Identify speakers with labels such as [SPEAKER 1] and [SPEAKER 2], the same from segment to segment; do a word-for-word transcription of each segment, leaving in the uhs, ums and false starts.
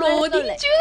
[SPEAKER 1] 로딩 중.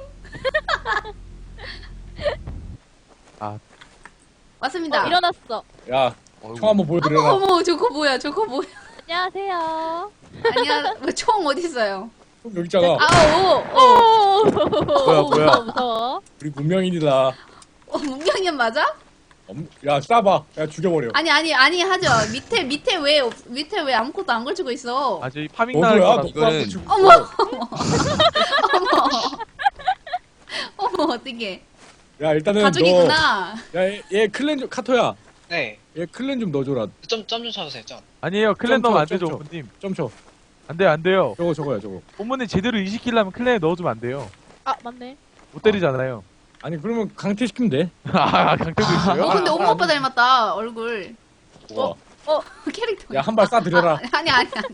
[SPEAKER 2] 아.
[SPEAKER 1] 왔습니다.
[SPEAKER 3] 어, 일어났어.
[SPEAKER 4] 야, 총 한번 보여드려라.
[SPEAKER 1] 어머, 어머, 저거 뭐야? 저거 뭐야?
[SPEAKER 3] 안녕하세요.
[SPEAKER 1] 아니야, 뭐, 총 어디 있어요?
[SPEAKER 4] 총 여기 있잖아.
[SPEAKER 1] 아, 오, 오,
[SPEAKER 2] 뭐야, 뭐야.
[SPEAKER 3] 무서워, 무서워.
[SPEAKER 4] 우리 문명인이다.
[SPEAKER 1] 어, 문명현 맞아?
[SPEAKER 4] 엄- 야, 쏴봐. 야, 죽여버려.
[SPEAKER 1] 아니, 아니, 아니 하죠. 밑에 밑에 왜 없- 밑에 왜 아무것도 안 걸치고 있어?
[SPEAKER 2] 아 저희 파밍 나갈
[SPEAKER 4] 너도야,
[SPEAKER 2] 거라.
[SPEAKER 4] 너도
[SPEAKER 5] 이거는-
[SPEAKER 4] 한번 죽고.
[SPEAKER 1] 어머, 어머, 어머, 어떻게?
[SPEAKER 4] 야, 일단은
[SPEAKER 1] 가족이구나.
[SPEAKER 4] 너, 야, 얘, 얘 클랜 좀 카토야.
[SPEAKER 5] 네.
[SPEAKER 4] 얘 클랜 좀 넣어줘라.
[SPEAKER 5] 점, 점 좀 쳐주세요, 점.
[SPEAKER 2] 아니에요. 클랜
[SPEAKER 4] 좀
[SPEAKER 2] 넣으면 안
[SPEAKER 4] 쳐,
[SPEAKER 2] 되죠,
[SPEAKER 4] 좀 쳐.
[SPEAKER 2] 본님.
[SPEAKER 4] 좀 쳐.
[SPEAKER 2] 안 돼요, 안 돼요.
[SPEAKER 4] 저거 저거야, 저거.
[SPEAKER 2] 본문에 제대로 이식시키려면 클랜에 넣어주면 안 돼요.
[SPEAKER 3] 아, 맞네.
[SPEAKER 2] 못 때리잖아요.
[SPEAKER 4] 아니, 그러면 강퇴시키면 돼.
[SPEAKER 2] 아, 강태도 있어요?
[SPEAKER 1] 어, 근데 엄마 오빠 닮았다 얼굴.
[SPEAKER 4] 뭐가?
[SPEAKER 1] 어, 캐릭터.
[SPEAKER 4] 야, 한 발 쏴드려라.
[SPEAKER 1] 아, 아니, 아니, 아니.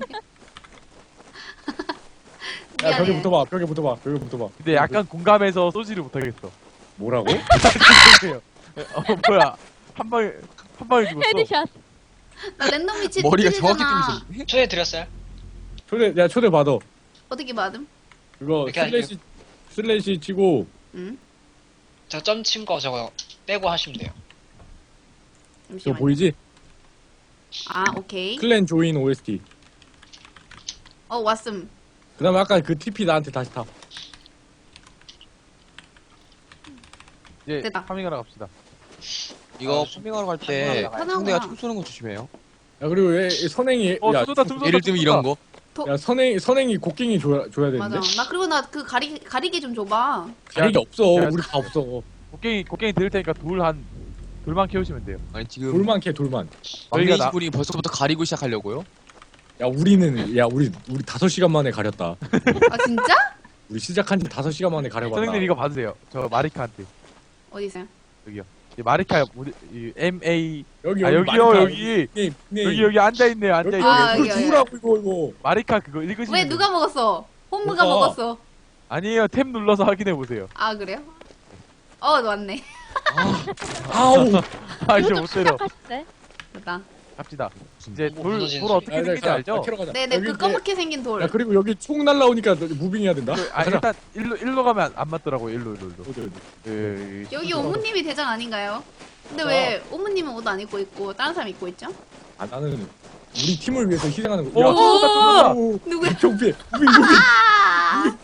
[SPEAKER 4] 야, 벽에
[SPEAKER 1] 미안해.
[SPEAKER 4] 붙어봐. 벽에 붙어봐. 벽에 붙어봐.
[SPEAKER 2] 근데 약간 공감해서 쏘지를 못하겠어.
[SPEAKER 4] 뭐라고?
[SPEAKER 2] 죄송해요. 어, 뭐야. 한 방에, 한 방에 죽었어.
[SPEAKER 3] 헤드샷.
[SPEAKER 1] 나 랜덤 위치
[SPEAKER 5] 머리가
[SPEAKER 1] 찔리잖아.
[SPEAKER 5] 정확히 뚫리셨네. 초대드렸어요?
[SPEAKER 4] 초대, 야, 초대 받아.
[SPEAKER 1] 어떻게 받음?
[SPEAKER 4] 그거
[SPEAKER 5] 이렇게
[SPEAKER 4] 슬래시, 슬래시 치고,
[SPEAKER 1] 응?
[SPEAKER 5] 저 점 친 거 저거 빼고 하시면 돼요.
[SPEAKER 4] 저거
[SPEAKER 1] 잠시만.
[SPEAKER 4] 보이지?
[SPEAKER 1] 아, 오케이.
[SPEAKER 4] 클랜 조인 오에스티.
[SPEAKER 1] 어, 왔음.
[SPEAKER 4] 그 다음에 아까 그 티피 나한테 다시 타.
[SPEAKER 2] 이제
[SPEAKER 1] 됐다.
[SPEAKER 2] 파밍하러 갑시다.
[SPEAKER 5] 아,
[SPEAKER 6] 이거
[SPEAKER 5] 좀-
[SPEAKER 6] 파밍하러 갈 때
[SPEAKER 5] 파밍하러
[SPEAKER 1] 가자.
[SPEAKER 6] 상대가
[SPEAKER 1] 하나구나.
[SPEAKER 6] 총 쏘는 거 조심해요.
[SPEAKER 4] 야, 그리고 얘, 얘 선행이,
[SPEAKER 2] 어,
[SPEAKER 4] 야,
[SPEAKER 2] 쏘다, 쏘다.
[SPEAKER 6] 예를 들면 이런 거.
[SPEAKER 4] 야, 선행, 선행이 곡괭이 줘야, 줘야 되는데?
[SPEAKER 1] 맞아. 나 그리고 나 그 가리 가리개 좀 줘봐.
[SPEAKER 4] 가리기 없어.
[SPEAKER 2] 야,
[SPEAKER 4] 우리 다 없어.
[SPEAKER 2] 곡괭이, 곡괭이 드릴 테니까 돌 한, 돌만 키우시면 돼요.
[SPEAKER 6] 아니 지금
[SPEAKER 4] 돌만 캐, 돌만.
[SPEAKER 6] 막내
[SPEAKER 2] 저희가 나-
[SPEAKER 6] 이분이 벌써부터 가리고 시작하려고요?
[SPEAKER 4] 야, 우리는, 야, 우리, 우리 다섯 시간 만에 가렸다.
[SPEAKER 1] 아, 진짜?
[SPEAKER 4] 우리 시작한 지 다섯 시간 만에 가려봤다.
[SPEAKER 2] 선생님 이거 받으세요. 저 마리카한테.
[SPEAKER 1] 어디 있어요?
[SPEAKER 2] 이 마리카, 뭐, 이 M A.
[SPEAKER 4] 여기,
[SPEAKER 2] 아,
[SPEAKER 4] 여기,
[SPEAKER 2] 여기요,
[SPEAKER 4] 마리카.
[SPEAKER 2] 여기.
[SPEAKER 4] 네, 네.
[SPEAKER 2] 여기, 여기 앉아있네요,
[SPEAKER 4] 여기,
[SPEAKER 2] 앉아있네요.
[SPEAKER 1] 아,
[SPEAKER 4] 이거
[SPEAKER 1] 여기, 여기.
[SPEAKER 4] 주우라고, 이거, 이거.
[SPEAKER 2] 마리카 그거 읽으시면
[SPEAKER 1] 왜
[SPEAKER 2] 돼요.
[SPEAKER 1] 누가 먹었어? 홈무가
[SPEAKER 4] 뭐가?
[SPEAKER 1] 먹었어.
[SPEAKER 2] 아니에요. 탭 눌러서 확인해보세요.
[SPEAKER 1] 아, 그래요? 어, 왔네.
[SPEAKER 4] 아우.
[SPEAKER 2] 아, 이제
[SPEAKER 3] 이거 좀
[SPEAKER 2] 못 때려.
[SPEAKER 3] 시작하시네.
[SPEAKER 1] 됐다.
[SPEAKER 2] 갑시다. 이제
[SPEAKER 5] 뭐
[SPEAKER 2] 돌,
[SPEAKER 5] 무너지는
[SPEAKER 2] 돌 어떻게
[SPEAKER 4] 야, 야,
[SPEAKER 2] 생긴지
[SPEAKER 4] 가,
[SPEAKER 2] 알죠?
[SPEAKER 4] 캐러 가자.
[SPEAKER 1] 네네,
[SPEAKER 4] 여기
[SPEAKER 1] 그
[SPEAKER 4] 이제-
[SPEAKER 1] 검게 생긴 돌.
[SPEAKER 4] 야, 그리고 여기 총 날라오니까 너 무빙해야 된다.
[SPEAKER 2] 그, 아,
[SPEAKER 4] 가자.
[SPEAKER 2] 일단, 일로, 일로 가면 안, 안 맞더라고요. 일로, 일로, 일로.
[SPEAKER 4] 어디, 어디.
[SPEAKER 2] 예, 예,
[SPEAKER 1] 여기
[SPEAKER 2] 예.
[SPEAKER 1] 오무님이 대장 아닌가요? 근데
[SPEAKER 4] 자.
[SPEAKER 1] 왜 오무님은 옷 안 입고 있고 다른 사람 입고 있죠?
[SPEAKER 4] 아, 나는 우리 팀을 위해서 희생하는 거.
[SPEAKER 2] 오, 쏜다, 쏜다.
[SPEAKER 4] 오,
[SPEAKER 1] 누구야?
[SPEAKER 4] 경비, 무빙, 무빙.
[SPEAKER 1] 아!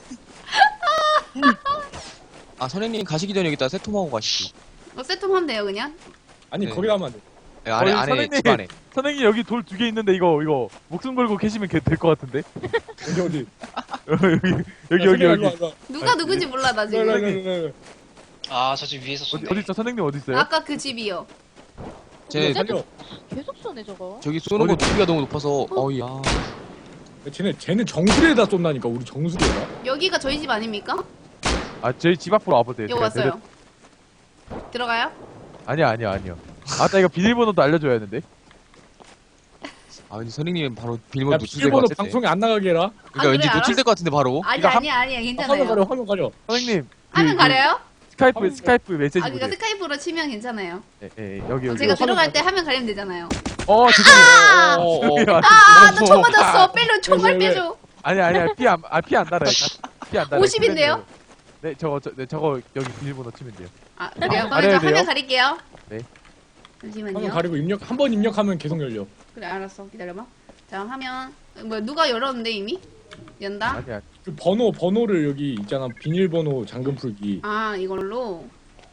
[SPEAKER 6] 아 선생님 가시기 전에 여기다 세톰하고 가시죠.
[SPEAKER 1] 어, 세톰하면 돼요, 그냥?
[SPEAKER 4] 아니,
[SPEAKER 6] 네.
[SPEAKER 4] 거기 가면 안 돼.
[SPEAKER 6] 네, 안에
[SPEAKER 2] 어이,
[SPEAKER 6] 안에
[SPEAKER 2] 선생님.
[SPEAKER 6] 집 안에.
[SPEAKER 2] 선생님 여기 돌 두 개 있는데 이거 이거 목숨 걸고 계시면 될 것 같은데
[SPEAKER 4] 어디, 어디.
[SPEAKER 2] 여기 여기 여기 여기
[SPEAKER 1] 누가 누군지 몰라, 나 지금.
[SPEAKER 4] 여기.
[SPEAKER 5] 아, 저 집 위에서
[SPEAKER 2] 어디
[SPEAKER 5] 쏜네.
[SPEAKER 2] 어디 있어 선생님 어디 있어요?
[SPEAKER 1] 아까 그 집이요.
[SPEAKER 6] 쟤
[SPEAKER 4] 살려.
[SPEAKER 3] 계속 쏘네, 저거.
[SPEAKER 6] 저기 쏘는 거 두기가 너무 높아서 어이야.
[SPEAKER 4] 쟤네, 쟤는 정수리에다 쏜다니까, 우리 정수리에다.
[SPEAKER 1] 여기가 저희 집 아닙니까?
[SPEAKER 2] 아 저희 집 앞으로 와보세요.
[SPEAKER 1] 여기
[SPEAKER 2] 제가
[SPEAKER 1] 왔어요. 들어가요?
[SPEAKER 2] 데려- 아니야 아니야 아니요. 아따 이거 비밀번호도 알려줘야 하는데.
[SPEAKER 6] 아 근데 선생님 바로 비밀번호
[SPEAKER 4] 야,
[SPEAKER 6] 노출될 것
[SPEAKER 4] 비밀번호
[SPEAKER 6] 같은데.
[SPEAKER 4] 방송에 안 나가게 해라.
[SPEAKER 6] 그러니까
[SPEAKER 1] 아,
[SPEAKER 6] 왠지
[SPEAKER 1] 그래,
[SPEAKER 6] 노출될 것 같은데 바로.
[SPEAKER 1] 아니,
[SPEAKER 2] 이거 한-
[SPEAKER 1] 아니야, 아니야,
[SPEAKER 4] 화면 가려,
[SPEAKER 1] 괜찮아요.
[SPEAKER 4] 화면 가려.
[SPEAKER 2] 선생님 그-
[SPEAKER 1] 화면
[SPEAKER 2] 그
[SPEAKER 1] 가려요?
[SPEAKER 2] 스카이프
[SPEAKER 4] 화면
[SPEAKER 2] 스카이프 메시지
[SPEAKER 1] 아, 그니까
[SPEAKER 2] 보내요.
[SPEAKER 1] 스카이프로 치면 괜찮아요.
[SPEAKER 2] 예, 예, 여기 여기.
[SPEAKER 1] 제가
[SPEAKER 4] 화면
[SPEAKER 1] 들어갈 때
[SPEAKER 4] 가려.
[SPEAKER 1] 화면 가리면 되잖아요.
[SPEAKER 2] 어 죄송해요.
[SPEAKER 6] 어, 어, 어.
[SPEAKER 2] 죄송해요.
[SPEAKER 1] 아, 나 총 맞았어. 빼줘, 총알
[SPEAKER 4] 왜, 왜?
[SPEAKER 1] 빼줘.
[SPEAKER 2] 아니 아니야 피안아피안 달아요. 피안 달아요.
[SPEAKER 1] 오십인데요?
[SPEAKER 2] 네 저거 저, 네, 저거 여기 비밀번호 치면 돼요.
[SPEAKER 1] 아, 그래요? 그러면 저
[SPEAKER 2] 가려야
[SPEAKER 1] 화면
[SPEAKER 2] 돼요?
[SPEAKER 1] 가릴게요.
[SPEAKER 2] 네.
[SPEAKER 1] 잠시만요.
[SPEAKER 4] 화면 가리고 입력, 한 번 입력하면 계속 열려.
[SPEAKER 1] 그래, 알았어. 기다려봐. 자, 화면. 뭐 누가 열었는데 이미? 연다?
[SPEAKER 2] 아니야.
[SPEAKER 4] 그 번호, 번호를 여기 있잖아. 비밀번호 잠금 풀기.
[SPEAKER 1] 아, 이걸로.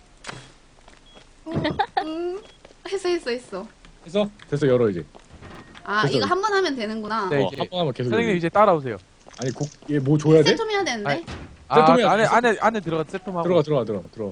[SPEAKER 1] 음, 했어, 했어, 했어.
[SPEAKER 4] 해서 됐어, 열어, 이제.
[SPEAKER 1] 아,
[SPEAKER 4] 됐어.
[SPEAKER 1] 이거 한 번 하면 되는구나.
[SPEAKER 2] 네,
[SPEAKER 4] 어,
[SPEAKER 2] 이제
[SPEAKER 4] 한 번 하면 계속
[SPEAKER 2] 선생님
[SPEAKER 4] 열려.
[SPEAKER 2] 이제 따라오세요.
[SPEAKER 4] 아니, 곡, 얘 뭐 줘야 돼?
[SPEAKER 1] 세톰 해야 되는데.
[SPEAKER 2] 아니, 아
[SPEAKER 4] 세톰해야지.
[SPEAKER 2] 안에 안에 안에 들어가 세톰하고.
[SPEAKER 4] 들어가, 들어가, 들어가, 들어가.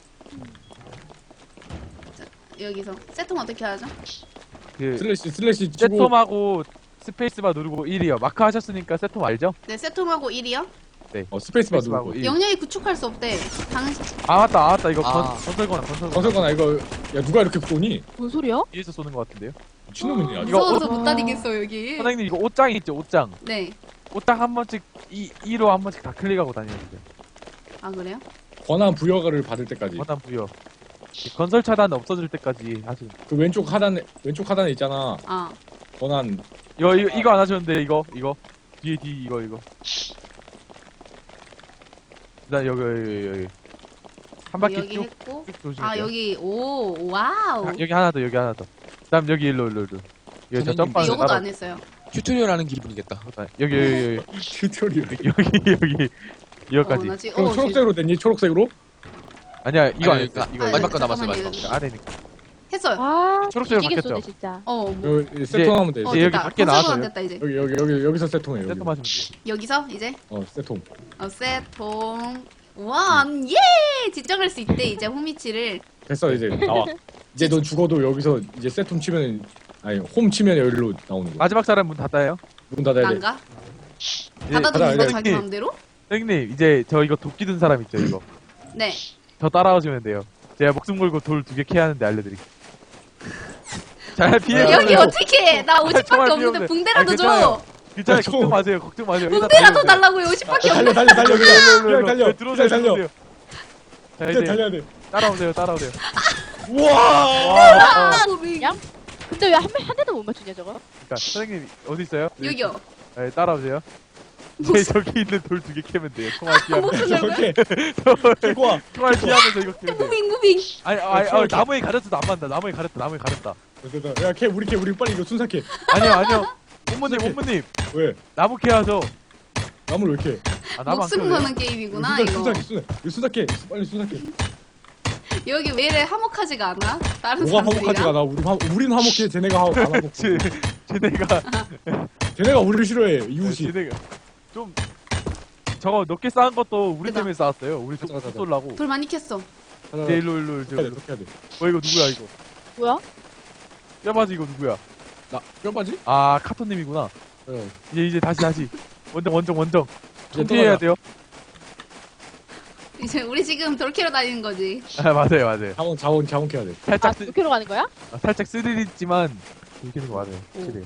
[SPEAKER 1] 여기서. 세톰 어떻게 하죠?
[SPEAKER 2] 그
[SPEAKER 4] 슬래시, 슬래시 치고.
[SPEAKER 2] 세톰하고 스페이스바 누르고 일이요. 마크 하셨으니까 세톰 알죠?
[SPEAKER 1] 네, 세톰하고 일이요?
[SPEAKER 4] 어, 스페이스바
[SPEAKER 2] 스페이스바하고
[SPEAKER 4] 누르고.
[SPEAKER 2] 일.
[SPEAKER 1] 영역이 구축할 수 없대. 당신.
[SPEAKER 2] 아 맞다, 아 맞다. 이거
[SPEAKER 6] 아.
[SPEAKER 2] 건, 건설거나 건설거나
[SPEAKER 4] 건설관아, 이거, 야, 누가 이렇게 쏘니?
[SPEAKER 3] 뭔 소리야?
[SPEAKER 2] 위에서 쏘는 것 같은데요.
[SPEAKER 4] 미친놈이네, 아주.
[SPEAKER 2] 이거
[SPEAKER 1] 무서워서
[SPEAKER 3] 옷-
[SPEAKER 1] 못 다니겠어, 여기.
[SPEAKER 2] 선생님 이거 옷장 있죠, 옷장.
[SPEAKER 1] 네.
[SPEAKER 2] 옷장 한 번씩 이 이로 한 번씩 다 클릭하고 다니면 돼요.
[SPEAKER 1] 아, 그래요?
[SPEAKER 4] 권한 부여가를 받을 때까지.
[SPEAKER 2] 원단 부여. 이 건설 차단 없어질 때까지 하시면.
[SPEAKER 4] 그 왼쪽 하단에, 왼쪽 하단에 있잖아.
[SPEAKER 1] 아.
[SPEAKER 4] 권한.
[SPEAKER 2] 이거 이거 이거 안 하셨는데 이거 이거 뒤에 뒤 이거 이거. 나 여기 여기 여기 한 바퀴
[SPEAKER 1] 여기
[SPEAKER 2] 쭉,
[SPEAKER 1] 했고.
[SPEAKER 2] 쭉 조심해.
[SPEAKER 1] 아 여기 오 와우.
[SPEAKER 2] 아, 여기 하나 더 여기 하나 더. 그다음 여기 일로 일로 일로. 여기 저
[SPEAKER 6] 선생님,
[SPEAKER 2] 점프하는
[SPEAKER 1] 요거도
[SPEAKER 2] 따라.
[SPEAKER 1] 안 했어요.
[SPEAKER 6] 튜토리얼 하는 기분이겠다.
[SPEAKER 2] 여기 여기 여기
[SPEAKER 4] 튜토리얼.
[SPEAKER 2] 여기 여기 여기까지.
[SPEAKER 1] 어, 나 지금
[SPEAKER 4] 그럼
[SPEAKER 1] 어,
[SPEAKER 4] 초록색으로 됐니? 초록색으로?
[SPEAKER 2] 아니야 이거 안
[SPEAKER 6] 아니,
[SPEAKER 2] 했어.
[SPEAKER 6] 그-
[SPEAKER 2] 이거
[SPEAKER 1] 아니,
[SPEAKER 6] 마지막 거 남았어요.
[SPEAKER 1] 잠깐만요.
[SPEAKER 6] 마지막 거.
[SPEAKER 2] 아래니까.
[SPEAKER 1] 했어요.
[SPEAKER 3] 아,
[SPEAKER 2] 초록색으로
[SPEAKER 3] 뒤지게
[SPEAKER 2] 바뀌었죠?
[SPEAKER 3] 쏘네, 진짜.
[SPEAKER 1] 어 뭐.
[SPEAKER 4] 여기 세통하면 돼.
[SPEAKER 1] 어
[SPEAKER 2] 이제 여기
[SPEAKER 1] 됐다.
[SPEAKER 2] 밖에
[SPEAKER 1] 컨셉은
[SPEAKER 2] 나와서요?
[SPEAKER 1] 안 됐다 이제.
[SPEAKER 4] 여기 여기 여기 여기서 세통해. 여기.
[SPEAKER 2] 세트 마시면 돼.
[SPEAKER 1] 여기서 이제
[SPEAKER 4] 어 세통.
[SPEAKER 1] 어 세통 원 예! 지정할 수 있대 이제 홈위치를.
[SPEAKER 4] 됐어 이제 나와. 이제 너 죽어도 여기서 이제 세통 치면 아니 홈 치면 여기로 나오는 거야.
[SPEAKER 2] 마지막 사람 문 닫아요.
[SPEAKER 4] 문 닫아야 돼.
[SPEAKER 1] 난가?
[SPEAKER 2] 이제
[SPEAKER 1] 닫아도
[SPEAKER 4] 닫아,
[SPEAKER 1] 된다
[SPEAKER 4] 이제
[SPEAKER 1] 자기
[SPEAKER 2] 선생님,
[SPEAKER 1] 마음대로?
[SPEAKER 2] 선생님 이제 저 이거 도끼 든 사람 있죠 이거.
[SPEAKER 1] 네.
[SPEAKER 2] 저 따라오시면 돼요. 제가 목숨 걸고 돌 두 개 캐야 하는데 알려드릴게요. 잘 피해.
[SPEAKER 4] 네,
[SPEAKER 1] 여기
[SPEAKER 4] 네.
[SPEAKER 1] 어떻게 해? 나 오십밖에
[SPEAKER 2] 정말
[SPEAKER 1] 없는데
[SPEAKER 2] 귀여운데.
[SPEAKER 1] 붕대라도
[SPEAKER 2] 아,
[SPEAKER 1] 줘.
[SPEAKER 2] 괜찮아요. 괜찮아요.
[SPEAKER 4] 저-
[SPEAKER 2] 걱정 마세요. 걱정 마세요. 일단
[SPEAKER 1] 붕대라도
[SPEAKER 2] 달려오세요.
[SPEAKER 1] 달라고요. 오십밖에
[SPEAKER 4] 달려
[SPEAKER 1] 없는데.
[SPEAKER 4] 달려 달려 그냥 그냥 달려.
[SPEAKER 2] 네, 들어오세요.
[SPEAKER 4] 그냥 달려.
[SPEAKER 2] 들어오세요. 자
[SPEAKER 4] 이제
[SPEAKER 2] 이제
[SPEAKER 4] 달려야 돼.
[SPEAKER 2] 따라오세요. 따라오세요.
[SPEAKER 4] 우와.
[SPEAKER 2] 와, 어,
[SPEAKER 1] 무빙.
[SPEAKER 3] 야? 근데 왜 한 한 대도 못 맞추냐, 저거?
[SPEAKER 2] 그러니까 선생님 어디 있어요?
[SPEAKER 1] 여기요.
[SPEAKER 2] 네, 따라오세요. 네, 저기 있는 돌 두 개 캐면 돼요. 총알 피하면서.
[SPEAKER 1] 목숨 걸고.
[SPEAKER 4] 저렇게 들고 와.
[SPEAKER 2] 총알 피하면서 이거 캐면 돼요.
[SPEAKER 1] 무빙 무빙.
[SPEAKER 2] 아니, 아니, 아니,
[SPEAKER 4] 총알
[SPEAKER 2] 나무에 가렸어도 안 맞는다. 나무에 가렸다. 나무에 가렸다.
[SPEAKER 4] 됐다. 야, 걔 우리 걔 우리 빨리 이거 순삭해.
[SPEAKER 2] 아니요, 아니요. 본부님,
[SPEAKER 4] 이렇게.
[SPEAKER 2] 본부님.
[SPEAKER 4] 왜?
[SPEAKER 2] 나무 캐야죠.
[SPEAKER 4] 나무를 왜 이렇게?
[SPEAKER 2] 아, 나무 안
[SPEAKER 1] 목숨
[SPEAKER 2] 캐도 돼요?
[SPEAKER 1] 거는 게임이구나
[SPEAKER 4] 순삭,
[SPEAKER 1] 이거.
[SPEAKER 4] 순삭해, 순삭. 이거 순삭해. 빨리 순삭해.
[SPEAKER 1] 여기 왜 이래 화목하지가 않아? 다른
[SPEAKER 4] 뭐가
[SPEAKER 1] 사람들이랑?
[SPEAKER 4] 화목하지가 않아. 우리 화, 우리는 화목해. 쟤네가 화, 안 화목해.
[SPEAKER 2] 쟤, 쟤네가,
[SPEAKER 4] 쟤네가 우리를 싫어해. 이웃이.
[SPEAKER 2] 쟤네가 좀 저거 높게 쌓은 것도 우리
[SPEAKER 1] 그다.
[SPEAKER 2] 때문에 쌓았어요. 우리 좀
[SPEAKER 4] 가자, 가자.
[SPEAKER 2] 쏠라고.
[SPEAKER 1] 돌 많이 캤어.
[SPEAKER 4] 가자,
[SPEAKER 2] 네, 일로, 일로, 일로.
[SPEAKER 4] 해야 돼.
[SPEAKER 2] 일로.
[SPEAKER 4] 그렇게 해야 돼.
[SPEAKER 2] 어, 이거 누구야, 이거?
[SPEAKER 3] 뭐야?
[SPEAKER 2] 뼈바지 이거 누구야?
[SPEAKER 4] 나 뼈바지?
[SPEAKER 2] 아, 카토님이구나.
[SPEAKER 4] 어.
[SPEAKER 2] 이제, 이제 다시, 다시. 원정, 원정, 원정.
[SPEAKER 4] 이제
[SPEAKER 2] 정지해야
[SPEAKER 4] 떠나자.
[SPEAKER 2] 돼요.
[SPEAKER 1] 이제 우리 지금 돌 캐러 다니는 거지.
[SPEAKER 2] 아, 맞아요, 맞아요.
[SPEAKER 4] 자원 자원 자원 캐야 돼.
[SPEAKER 2] 살짝,
[SPEAKER 3] 아,
[SPEAKER 2] 쓰,
[SPEAKER 3] 도쿄로 가는 거야?
[SPEAKER 2] 아, 살짝 스릴 있지만, 이렇게 거 맞아요.
[SPEAKER 1] 오.
[SPEAKER 2] 확실히.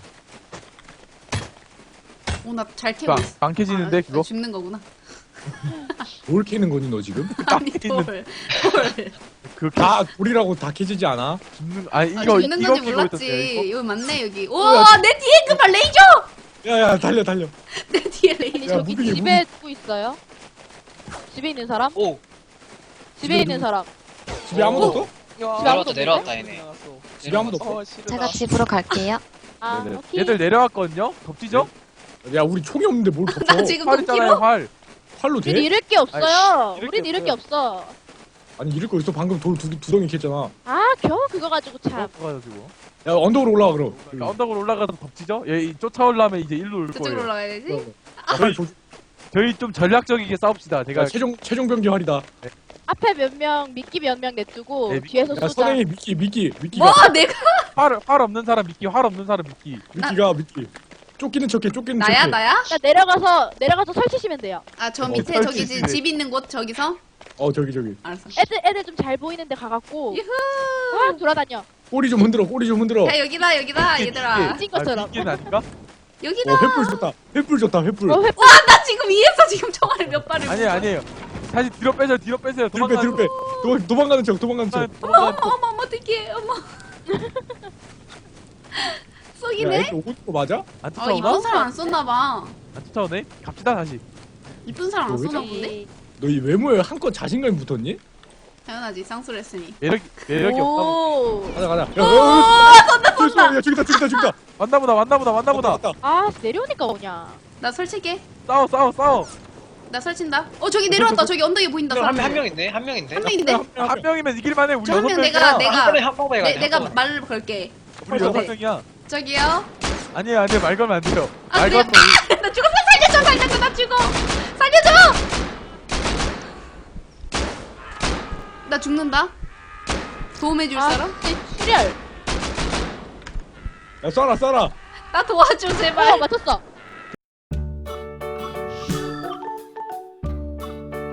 [SPEAKER 1] 오 나 잘 캐고
[SPEAKER 2] 안,
[SPEAKER 1] 있어.
[SPEAKER 2] 안 캐지는데,
[SPEAKER 1] 아,
[SPEAKER 2] 그거?
[SPEAKER 1] 죽는 거구나.
[SPEAKER 4] 뭘 캐는 거니 너 지금?
[SPEAKER 1] 아니
[SPEAKER 2] 있는-
[SPEAKER 1] 돌. 돌.
[SPEAKER 2] 그,
[SPEAKER 4] 다 돌이라고 다 캐지지 않아?
[SPEAKER 2] 죽는, 아니,
[SPEAKER 1] 아,
[SPEAKER 2] 이거,
[SPEAKER 1] 죽는
[SPEAKER 2] 이거
[SPEAKER 1] 건지
[SPEAKER 2] 끼고
[SPEAKER 1] 몰랐지.
[SPEAKER 2] 있었어요, 이거?
[SPEAKER 1] 여기 맞네 여기.
[SPEAKER 4] 뭐야,
[SPEAKER 1] 오 내 뒤에 그봐 레이저.
[SPEAKER 4] 야야 달려 달려.
[SPEAKER 1] 내 뒤에
[SPEAKER 3] 아니,
[SPEAKER 1] 레이저.
[SPEAKER 4] 야,
[SPEAKER 3] 저기
[SPEAKER 4] 무빙이,
[SPEAKER 3] 집에 누구 있어요? 집에 있는 사람?
[SPEAKER 5] 오!
[SPEAKER 3] 집에 있는 사람.
[SPEAKER 4] 집에 아무도
[SPEAKER 5] 오.
[SPEAKER 4] 없어?
[SPEAKER 5] 내려왔다 내려왔다 얘네.
[SPEAKER 4] 집에 아무도 없어?
[SPEAKER 7] 제가 집으로 갈게요.
[SPEAKER 3] 아,
[SPEAKER 2] 네네.
[SPEAKER 3] 오케이.
[SPEAKER 2] 얘들 내려왔거든요? 덮치죠?
[SPEAKER 4] 야 우리 총이 없는데 뭘 덮쳐?
[SPEAKER 1] 나 지금
[SPEAKER 2] 활
[SPEAKER 1] 돈
[SPEAKER 2] 있잖아요,
[SPEAKER 1] 키로.
[SPEAKER 2] 활.
[SPEAKER 4] 활로
[SPEAKER 3] 우린
[SPEAKER 4] 돼?
[SPEAKER 3] 잃을 게 없어요.
[SPEAKER 2] 잃을
[SPEAKER 3] 우린
[SPEAKER 2] 게
[SPEAKER 3] 잃을 게 없어.
[SPEAKER 4] 아니 잃을 거 있어. 방금 돌 두 두 덩이 캤잖아.
[SPEAKER 3] 아, 겨우 그거 가지고 참.
[SPEAKER 2] 가지고.
[SPEAKER 4] 야 언덕으로 올라가 그럼.
[SPEAKER 2] 그러니까 언덕으로 올라가서 덮치죠? 얘 이 쫓아오려면 이제 일로 올
[SPEAKER 1] 저쪽으로
[SPEAKER 2] 거예요.
[SPEAKER 1] 올라가야 되지?
[SPEAKER 4] 야, 빨리 조,
[SPEAKER 2] 저희 좀 전략적이게 싸웁시다. 제가
[SPEAKER 4] 야, 최종 최종 병기 활이다.
[SPEAKER 3] 앞에 몇 명, 미끼 몇 명 냅두고
[SPEAKER 2] 네, 미-
[SPEAKER 3] 뒤에서
[SPEAKER 4] 야
[SPEAKER 3] 쏘자.
[SPEAKER 4] 선생님 미끼 미끼 미끼가
[SPEAKER 1] 뭐 내가
[SPEAKER 2] 활, 활 없는 사람 미끼, 활 없는 사람 미끼.
[SPEAKER 4] 미끼가 미끼. 쫓기는 척해 쫓기는
[SPEAKER 1] 나야
[SPEAKER 4] 척해.
[SPEAKER 1] 나야?
[SPEAKER 3] 자, 내려가서 내려가서 설치시면 돼요.
[SPEAKER 1] 아 저
[SPEAKER 4] 어,
[SPEAKER 1] 밑에
[SPEAKER 4] 설치
[SPEAKER 1] 저기 지-
[SPEAKER 2] 있네.
[SPEAKER 1] 집 있는 곳 저기서.
[SPEAKER 4] 어 저기 저기.
[SPEAKER 1] 알았어.
[SPEAKER 3] 애들 애들 좀 잘 보이는데 가갖고
[SPEAKER 1] 유후.
[SPEAKER 3] 아, 돌아다녀.
[SPEAKER 4] 꼬리 좀 흔들어 꼬리 좀 흔들어.
[SPEAKER 1] 야 여기다 여기다
[SPEAKER 2] 미끼,
[SPEAKER 1] 얘들아.
[SPEAKER 3] 찐 것처럼.
[SPEAKER 2] 아, 미끼는 아닌가?
[SPEAKER 1] 여기다.
[SPEAKER 4] 어 횃불 줬다. 횃불 줬다 횃불.
[SPEAKER 3] 어, 회...
[SPEAKER 1] 나 지금 위에서 지금 총알을 몇 발을.
[SPEAKER 2] 아니에요, 아니에요. 다시 뒤로 빼세요, 뒤로 빼세요.
[SPEAKER 4] 뒤로 빼 뒤로 빼. 도망, 도망가는 척 도망가는 척.
[SPEAKER 1] 어머
[SPEAKER 2] 도망가는
[SPEAKER 1] 어머 어머 어머 어떡해 어머.
[SPEAKER 4] 야
[SPEAKER 1] 쏘기네?
[SPEAKER 4] 애들 오는 거 맞아?
[SPEAKER 2] 안
[SPEAKER 1] 아 이쁜
[SPEAKER 2] 쫓아오나?
[SPEAKER 1] 사람 안 썼나봐.
[SPEAKER 2] 안 쫓아오네? 갑시다, 다시.
[SPEAKER 1] 이쁜 사람 안
[SPEAKER 4] 너 왜
[SPEAKER 1] 쏘나
[SPEAKER 3] 네.
[SPEAKER 1] 본데?
[SPEAKER 4] 너 이 외모에 한껏 자신감이 붙었니?
[SPEAKER 1] 당연하지 쌍수를 했으니.
[SPEAKER 2] 매력이, 매력이 없나?
[SPEAKER 1] 오.
[SPEAKER 4] 가자 가자. 야,
[SPEAKER 1] 오
[SPEAKER 4] 야, 야,
[SPEAKER 1] 쏜다
[SPEAKER 4] 야,
[SPEAKER 1] 쏜다.
[SPEAKER 4] 야 저기다 저기다 저기다.
[SPEAKER 2] 왔나보다, 왔나보다, 왔나보다.
[SPEAKER 4] 왔다, 왔다.
[SPEAKER 3] 아, 내려오니까 오냐.
[SPEAKER 1] 나 설치게.
[SPEAKER 2] 싸워, 싸워, 싸워.
[SPEAKER 1] 나 설친다. 어 저기 내려왔다. 저기 언덕에 보인다.
[SPEAKER 5] 한,
[SPEAKER 1] 사람.
[SPEAKER 5] 한 명인데 한 명인데.
[SPEAKER 1] 한 명인데.
[SPEAKER 2] 한 명이면 이길만해. 우리
[SPEAKER 1] 저 한
[SPEAKER 2] 여섯
[SPEAKER 1] 명
[SPEAKER 2] 명이야.
[SPEAKER 1] 내가 내가
[SPEAKER 5] 한 번에 한 방에
[SPEAKER 1] 내,
[SPEAKER 5] 가자.
[SPEAKER 1] 내가
[SPEAKER 5] 한 번에.
[SPEAKER 1] 말을 걸게.
[SPEAKER 2] 우리 여섯
[SPEAKER 1] 네.
[SPEAKER 2] 명이야.
[SPEAKER 1] 저기요.
[SPEAKER 2] 아니에요, 아니에요. 말 걸면 안 돼요.
[SPEAKER 1] 아,
[SPEAKER 2] 말
[SPEAKER 1] 그래요?
[SPEAKER 2] 걸면 우리-
[SPEAKER 1] 나 죽었어. 살려줘 살려줘 나 죽어. 살려줘. 나 죽는다. 도움해줄
[SPEAKER 3] 아,
[SPEAKER 1] 사람?
[SPEAKER 3] 진짜 출혈.
[SPEAKER 4] 야 쏴라 쏴라.
[SPEAKER 1] 나 도와줘
[SPEAKER 3] 어,
[SPEAKER 1] 제발.
[SPEAKER 3] 맞췄어.